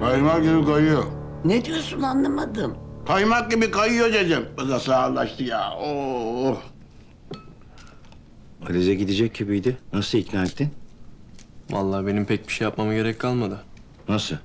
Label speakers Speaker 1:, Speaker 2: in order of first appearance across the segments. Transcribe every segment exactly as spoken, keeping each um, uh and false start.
Speaker 1: Kaymak gibi kayıyor.
Speaker 2: Ne diyorsun anlamadım.
Speaker 1: Kaymak gibi kayıyor dedim. Bu da sağlaştı ya. Oo.
Speaker 3: Alize gidecek gibiydi. Nasıl ikna ettin?
Speaker 4: Vallahi benim pek bir şey yapmama gerek kalmadı.
Speaker 3: Nasıl?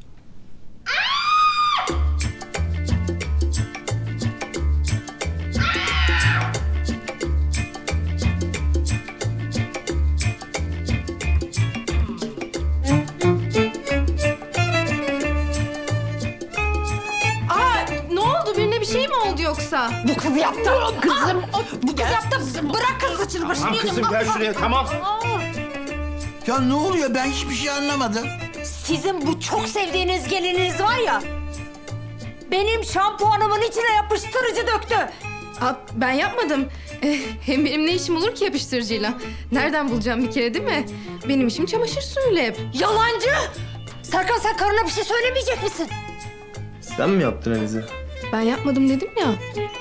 Speaker 5: Aa, ne oldu? Birine bir şey mi oldu yoksa?
Speaker 2: Bu kız yaptı. Kızım.
Speaker 5: Bu kız yaptı. Bırak kız saçını başını.
Speaker 3: Tamam kızım gel şuraya tamam.
Speaker 6: Ya ne oluyor? Ben hiçbir şey anlamadım.
Speaker 7: Sizin bu çok sevdiğiniz gelininiz var ya... ...benim şampuanımın içine yapıştırıcı döktü.
Speaker 5: Aa, ben yapmadım. Eh, hem benim ne işim olur ki yapıştırıcıyla? Nereden bulacağım bir kere değil mi? Benim işim çamaşır suyuyla hep.
Speaker 7: Yalancı! Serkan sen karına bir şey söylemeyecek misin?
Speaker 4: Sen mi yaptın Alize?
Speaker 5: Ben yapmadım dedim ya.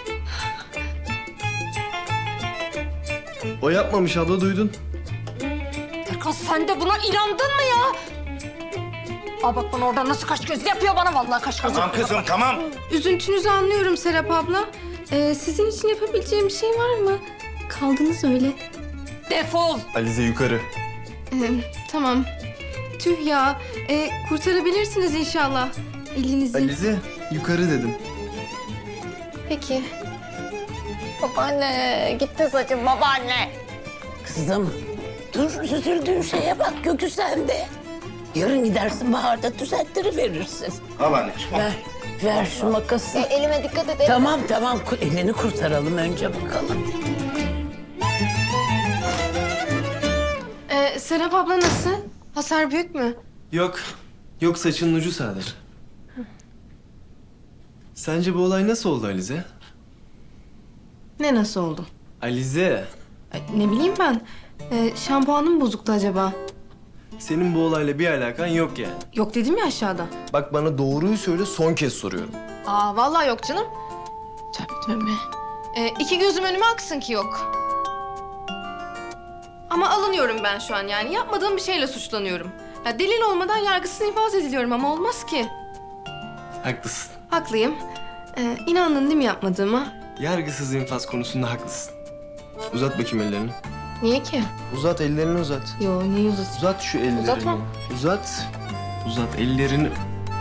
Speaker 4: O yapmamış abla duydun.
Speaker 7: Serkan sen de buna inandın mı ya? Aa bak bana oradan nasıl kaş göz yapıyor bana vallahi kaş göz.
Speaker 3: Tamam kızım tamam.
Speaker 5: Üzüntünüzü anlıyorum Serap abla. Ee, sizin için yapabileceğim bir şey var mı? Kaldınız öyle.
Speaker 7: Defol!
Speaker 4: Alize yukarı.
Speaker 5: Ee, tamam. Tüh ya. Ee, kurtarabilirsiniz inşallah. Elinizi.
Speaker 4: Alize yukarı dedim.
Speaker 5: Peki.
Speaker 7: Babaanne gitti saçım babaanne.
Speaker 2: Kızım. Dur üzüldüğün şeye bak Gökü sende. Yarın gidersin baharda düzelttiriverirsin.
Speaker 3: Al anneciğim.
Speaker 2: Ver. Ver şu makası.
Speaker 7: E, elime dikkat et.
Speaker 2: Tamam tamam ku- elini kurtaralım önce bakalım.
Speaker 5: Ee, Serap abla nasıl? Hasar büyük mü?
Speaker 4: Yok. Yok saçının ucu sadece. Sence bu olay nasıl oldu Alize?
Speaker 5: Ne nasıl oldu?
Speaker 4: Alize,
Speaker 5: Ay, ne bileyim ben. Ee, şampuanım mı bozuktu acaba?
Speaker 4: senin bu olayla bir alakan yok yani.
Speaker 5: Yok dedim ya aşağıda.
Speaker 4: Bak bana doğruyu söyle son kez soruyorum.
Speaker 5: Aa vallahi yok canım. Tövbe tövbe. Ee, iki gözüm önüme aksın ki yok. Ama alınıyorum ben şu an yani. Yapmadığım bir şeyle suçlanıyorum. Ya delil olmadan yargısız infaz ediliyorum ama olmaz ki.
Speaker 4: Haklısın.
Speaker 5: Haklıyım. Ee, inandın değil mi yapmadığıma?
Speaker 4: Yargısız infaz konusunda haklısın. Uzat bakayım ellerini.
Speaker 5: Niye ki?
Speaker 4: Uzat ellerini uzat.
Speaker 5: Yo niye uzatayım?
Speaker 4: Uzat şu ellerini.
Speaker 5: Uzatma.
Speaker 4: Uzat. Uzat ellerini.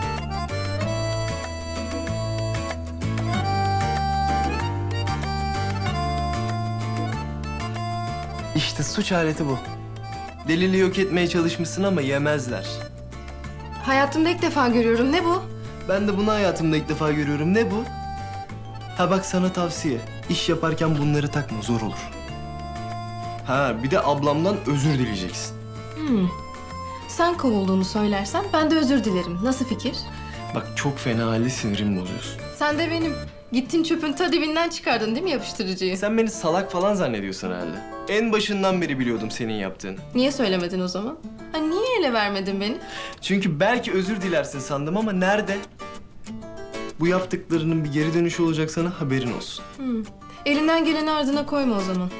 Speaker 4: İşte suç aleti bu. Delili yok etmeye çalışmışsın ama yemezler.
Speaker 5: Hayatımda ilk defa görüyorum. Ne bu?
Speaker 4: Ben de bunu hayatımda ilk defa görüyorum. Ne bu? Ha bak sana tavsiye. İş yaparken bunları takma, zor olur. Ha bir de ablamdan özür dileyeceksin.
Speaker 5: Hmm. Sen kovulduğunu söylersen ben de özür dilerim. Nasıl fikir?
Speaker 4: Bak çok fena halde sinirimi bozuyorsun.
Speaker 5: Sen de benim gittin çöpün ta dibinden çıkardın değil mi yapıştırıcıyı?
Speaker 4: Sen beni salak falan zannediyorsun herhalde. En başından beri biliyordum senin yaptığını.
Speaker 5: Niye söylemedin o zaman? Ha, niye ele vermedin beni?
Speaker 4: Çünkü belki özür dilersin sandım ama nerede? Bu yaptıklarının bir geri dönüşü olacak sana, haberin olsun.
Speaker 5: Hmm. Elinden geleni ardına koyma o zaman.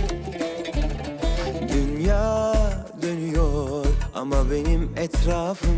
Speaker 8: Dünya dönüyor ama benim etrafım